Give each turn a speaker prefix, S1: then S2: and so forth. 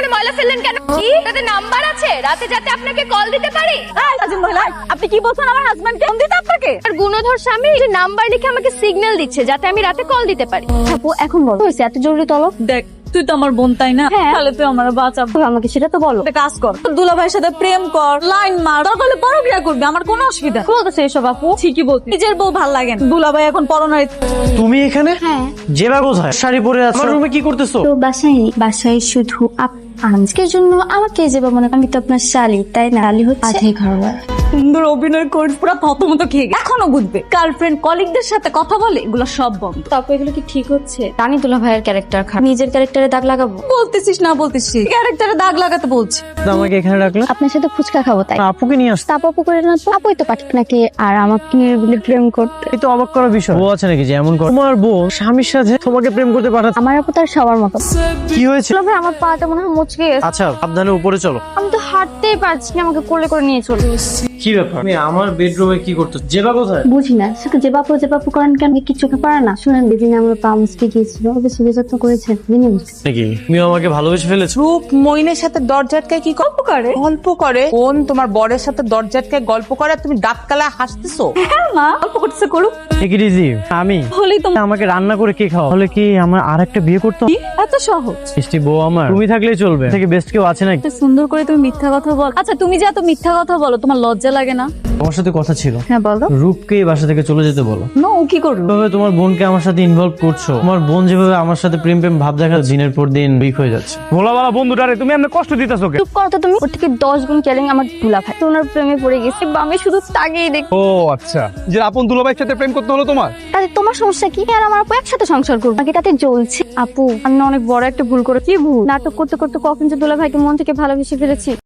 S1: এখানে ময়লা ফেললেন কেন? কি তাতে নাম্বার আছে রাতে যাতে আপনাকে কল দিতে পারি?
S2: আপনি কি বলছেন? আমার হাজবেন্ডকে ফোন দিতে আপনাকে?
S1: আর গুণধর স্বামী যে নাম্বার লিখে আমাকে সিগন্যাল দিচ্ছে যাতে আমি রাতে কল দিতে পারি।
S2: আপু এখন বলো হয়েছে এত জরুরি তলব?
S3: দেখ তুই তো আমার বোন তাই না?
S2: হ্যাঁ।
S3: তাহলে তুই আমার বাঁচাবো।
S2: আমাকে সেটা তো বলো।
S3: একটা কাজ কর, দুলা ভাইয়ের সাথে প্রেম কর, লাইন মার, দরকার হলে পরক্রিয়া করবি, আমার কোনো অসুবিধা নেই।
S2: বলতেছে এসব আপু?
S3: ঠিকই বলছিস, নিজের বউ ভাল লাগে না। দুলা ভাই এখন পরনারী।
S4: তুমি এখানে?
S2: হ্যাঁ।
S4: জেবা কোথায়? শাড়ি পরে আছো, আমার রুমে কি করতেছো?
S2: তো বাসায় শুধু আজকের জন্য আমাকে যে মনে আমি তো আপনার শালি তাই না? শালি হচ্ছে আধে ঘরওয়ালা।
S3: সুন্দর অভিনয় করিস, পুরো থতমত খেয়ে গেছে। এখনো বুঝবে গার্লফ্রেন্ড কলিগদের সাথে কথা বলে এগুলো সব বন্ধ।
S2: আপু এগুলো কি ঠিক হচ্ছে? রানী দুলা ভাইয়ের ক্যারেক্টার খারাপ, নিজের ক্যারেক্টারে দাগ লাগাবো?
S3: বলতেছিস না বলতেছিস, ক্যারেক্টারে দাগ লাগাতে বলছি।
S4: আমাকে এখানে রাখলে?
S2: আপনার সাথে ফুচকা খাবো তাই।
S4: আপুকে নিয়ে আসতে?
S2: তাপ আপু করে না তো, আপুই তো পাঠিয়ে নাকি আর আমাকে নিয়ে প্রেম করতে।
S4: এই তো অবাক করার বিষয়। ও আছে নাকি যে এমন করে? তোমার বোন স্বামীর সাথে তোমাকে প্রেম করতে পাঠাচ্ছে?
S2: আমার আপু তার সবার মতো।
S4: কি হয়েছে?
S2: দুলা ভাই আমার পাটা মনে হয় মুচকে গেছে।
S4: আচ্ছা সাবধানে উপরে চলো।
S2: আমি তো হাঁটতেই পারছি না, আমাকে কোলে করে নিয়ে চলো।
S4: কি ব্যাপার? তুমি আমার বেডরুমে কি করতে? জেবা কোথায়?
S2: বুঝি না শুধু যে বাপু করেন কেন? কি চোখে পড়ে না? শুনেন দিদিনে আমার পা মুচকে গিয়েছিল, ওকে সুবিধা যত্ন করেছে দিনে বুঝতে।
S4: নাকি তুমিও আমাকে ভালোবেসে ফেলেছো?
S5: রূপ মইনের সাথে দরজাটকায় কি গল্প করে কোন তোমার বরের সাথে দরজাটকায় গল্প করে আর তুমি দাঁত কালায় হাসতেছো?
S3: হ্যাঁ মা, অল্প করতেছে করুক।
S4: ঠিক ইজি। আমি
S3: হলেই তো
S4: আমাকে রান্না করে কে খাও? তাহলে কি আমার আরেকটা বিয়ে করতে হবে?
S3: কি এত সহজ?
S4: মিষ্টি বউ আমার তুমি থাকলেই চলবে, থেকে বেস্ট কেউ আছে নাকি?
S3: এত সুন্দর করে তুমি মিথ্যা কথা বল। আচ্ছা তুমি যে এত মিথ্যা কথা বলো, তোমার লজ্জা লাগে না?
S4: তোমার সাথে কথা ছিল।
S2: হ্যাঁ বলো।
S4: রূপকে এই বাসা থেকে চলে যেতে বলো।
S3: নো, ও কি করবে?
S4: যেভাবে তোমার বোনকে আমার সাথে ইনভলভ করছো, তোমার বোন যেভাবে আমার সাথে প্রেম ভাব দেখা দিনের পর দিন উইক হয়ে যাচ্ছে।
S6: ভোলাওয়ালা বন্ধুটারে তুমি এমনি কষ্ট দিতেছো কে?
S2: চুপ করো তো তুমি। ওর থেকে 10 গুণ কেয়ারিং আমার দুলা ভাই। তো ওনার প্রেমে পড়ে গেছে, আমি শুধু তাকেই দেখি।
S6: ও আচ্ছা, যে আপন দুলাভাইয়ের সাথে প্রেম করতে হলো তোমার?
S2: তাহলে তোমার সমস্যা কি? আর আমার আপু একসাথে সংসার করবো নাকি তাতে জ্বলছে? আপু আমি না অনেক বড় একটা ভুল করেছি। ভুল নাটক করতে করতে কখন যে দুলা ভাইকে মন থেকে ভালোবেসে ফেলেছি।